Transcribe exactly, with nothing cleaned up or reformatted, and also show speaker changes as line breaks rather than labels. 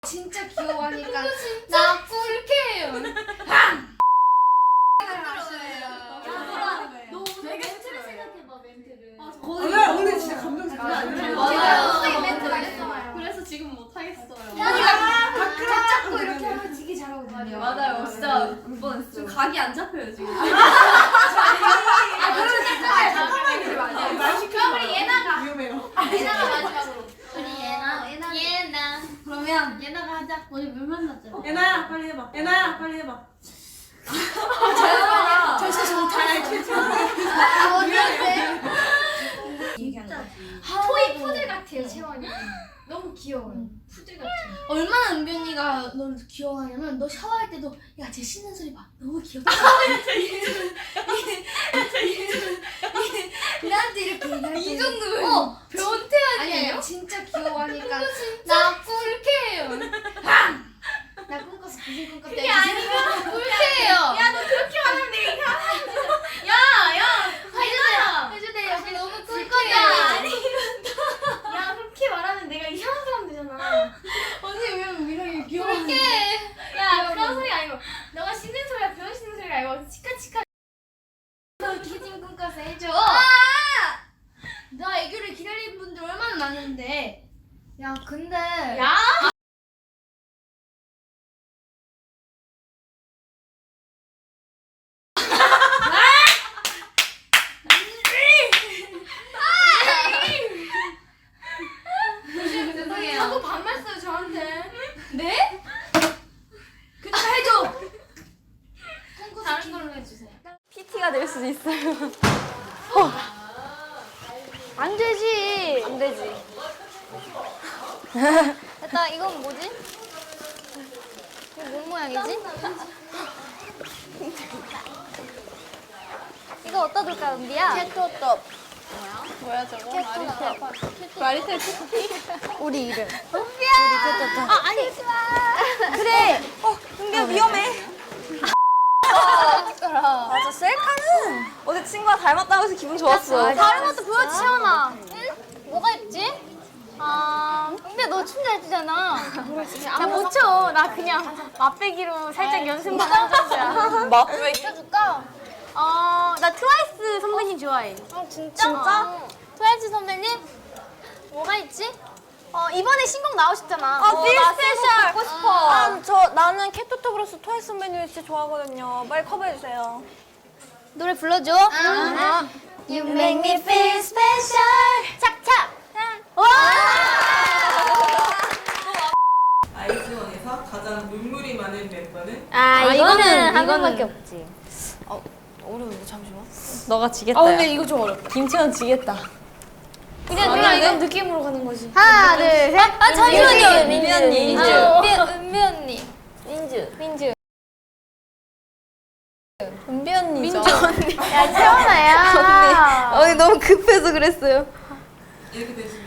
진짜 귀여워하니까
나 꿀게요.
너 되게 멘트를 생각해봐 멘트를.
오늘 오늘 진짜 감정 장난 아니야.
맞아요. 멘트 말했잖아요.
그래서 지금 못 하겠어요.
각 잡고 이렇게 하면 되게 잘하거든요.
맞아요. 진짜 울 뻔했어. 지금 각이 안 잡혀요 지금.
아 그러면 잠깐만요. 그럼 우리 예나가.
위험해요.
예나가 마지막으로.
우리 예나 예나 예나.
그러면
예나가 하자. 오늘 물 만났잖아.
예나야 빨리 해봐. 예나야 빨리 해봐.
저요. 저 진짜 못하겠어요. 아 어디였대? 토이 푸들 같아요 채원이. 너무 귀여워요. 푸들 같아요.
얼마나 은변이가 너를 귀여워하냐면 너 샤워할 때도 야 쟤 씻는 소리 봐 너무 귀엽다 나한테 이렇게 얘기할
이
때
정도면
어
변태
아니
아니에요?
아니 진짜 귀여워하니까
나 꿀게요.
나 꿈꿔서 무슨 꿈꿨대.
그게 아니고 꿀게요.
야너 그렇게 말하면 내가 이상하게.
야야
해주세요.
해주세요. 여기 너무
꿀
꿀거야.
야 그렇게 말하면 내가 이상한 사람 되잖아.
언니 왜 이렇게 귀여워
꿀게.
야 그런 소리 아니고 너가 씻는 소리야 변 씻는 소리가 아니고 치카치카. 너 기진 꿈꿔서 해줘.
나 애교를 기다리는 분들 얼마나 많은데
야 근데
야. 죄송해요.
자꾸 반말 써요 저한테.
네?
그니까 해줘.
다른 걸로 해주세요.
피티가 될 수도 있어요.
안 되지
안 되지.
일단 이건 뭐지? 이거 뭔 모양이지? 이거 어디다 둘까 은비야?
캐토톱. 뭐야 저거? 마리테. 마리테 쿠키?
우리 이름 은비야 우리 캐토톱 아 아니 그래
어, 은비야 위험해. 맞아, 셀카는 어제 친구가 닮았다고 해서 기분 좋았어.
다른 것도 보여 채원아 응? 뭐가 있지? 아 은비야 너 춤 잘 추잖아 나 못 춰. 나 그냥 맛배기로 살짝 연습만 한 정도야
맛배.
해줄까? 어, 나 트와이스 선배님 좋아해. 어, 진짜?
진짜?
트와이스 선배님? 뭐가 있지? 어, 이번에 신곡 나오셨잖아.
아,
어,
빌
나
스페셜.
신곡 듣고 싶어.
아, 저 나는 캐토톱으로서 트와이스 선배님 진짜 좋아하거든요. 빨리 커버해 주세요.
노래 불러줘. 아. You make me feel special. 착착. 와!
아이즈원에서 가장 눈물이 많은 멤버는?
아, 이거는 한 명밖에 없지.
어려운데 잠시만. 너가 지겠다.
아, 근데 이거 좀 어렵다.
김채원 지겠다.
그냥 그냥 이건 느낌으로 가는 거지. 하나, 둘, 셋. 아,
잠시만요. 민지 언니.
민주. 은비 언니.
민주.
민주.
은비 언니죠.
민주 언니. 야, 채원아야.
언니 너무 급해서 그랬어요.
이렇게 되시면